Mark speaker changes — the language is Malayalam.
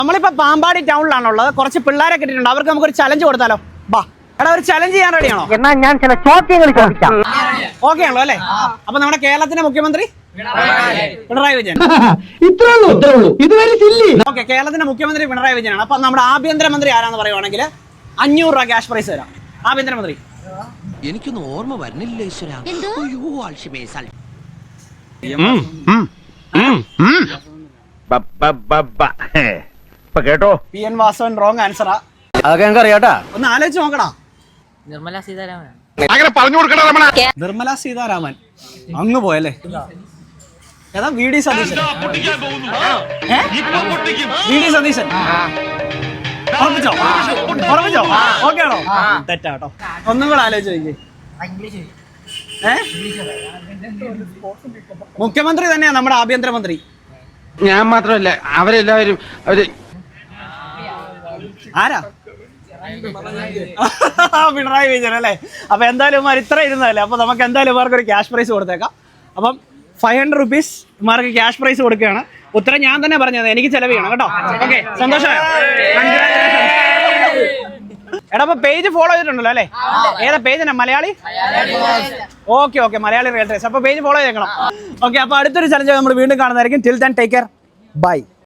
Speaker 1: നമ്മളിപ്പോ പാമ്പാടി ടൗണിലാണുള്ളത്. കുറച്ച് പിള്ളേരെ കിട്ടിയിട്ടുണ്ട്. അവർക്ക് നമുക്കൊരു ചലഞ്ച് കൊടുത്താലോ? ബാ എടാ, ഒരു ചലഞ്ച് ചെയ്യാൻ റെഡിയാണോ?
Speaker 2: എന്നാ ഞാൻ ചില ചോദ്യങ്ങൾ ചോദിക്കാം.
Speaker 1: ഓക്കെ ആണല്ലോ അല്ലേ? അപ്പൊ നമ്മുടെ കേരളത്തിന്റെ മുഖ്യമന്ത്രി പിണറായി വിജയൻ. ഓക്കെ, കേരളത്തിന്റെ മുഖ്യമന്ത്രി പിണറായി വിജയനാണ്. അപ്പൊ നമ്മുടെ ആഭ്യന്തരമന്ത്രി ആരാന്ന് പറയുവാണെങ്കിൽ 500 രൂപ ക്യാഷ് പ്രൈസ് തരാം. ആഭ്യന്തരമന്ത്രി
Speaker 3: എനിക്കൊന്നും ഓർമ്മ വരുന്നില്ല ഈശ്വരാ.
Speaker 4: കേട്ടോ,
Speaker 1: PN വാസവൻ റോങ് ആൻസറാ.
Speaker 4: അതൊക്കെ ഞങ്ങൾക്ക് അറിയാട്ടാ.
Speaker 1: ഒന്ന് ആലോചിച്ച് നോക്കടാ.
Speaker 2: നിർമ്മല സീതാരാമൻ.
Speaker 4: അങ്ങനെ പറഞ്ഞു കൊടുക്കണ
Speaker 1: നിർമ്മല സീതാരാമൻ അങ്ങ് പോയല്ലേ? ഏതാ? VD സതീശൻ. VD സതീശൻ ഉറപ്പിച്ചോ? ഓക്കെ ആണോ? തെറ്റാട്ടോ. ഒന്നും കൂടെ ആലോചിച്ച് നോക്കിയേ. മുഖ്യമന്ത്രി തന്നെയാ നമ്മുടെ ആഭ്യന്തരമന്ത്രി.
Speaker 4: ഞാൻ മാത്രമല്ല, അവരെല്ലാവരും
Speaker 1: ആരാ? പിണറായി വിജയൻ അല്ലേ? അപ്പൊ എന്തായാലും ഇമാർ ഇത്ര ഇരുന്നതല്ലേ, അപ്പൊ നമുക്ക് എന്തായാലും ഇവർക്ക് ഒരു ക്യാഷ് പ്രൈസ് കൊടുത്തേക്കാം. അപ്പം 500 റുപ്പീസ് ഇമാർക്ക് ക്യാഷ് പ്രൈസ് കൊടുക്കുകയാണ്. ഉത്തരം ഞാൻ തന്നെ പറഞ്ഞത്, എനിക്ക് ചെലവ് ചെയ്യണം കേട്ടോ. ഓക്കെ, സന്തോഷമായോ? എടാ, അപ്പൊ പേജ് ഫോളോ ചെയ്തിട്ടുണ്ടല്ലോ അല്ലേ? ഏതാ page? Malayali. Okay, Malayali real trace. അപ്പൊ പേജ് ഫോളോ ചെയ്തേക്കണം. ഓക്കെ, അപ്പൊ അടുത്തൊരു ചലഞ്ച് നമ്മൾ വീണ്ടും കാണുന്നതായിരിക്കും. Till then take care, by.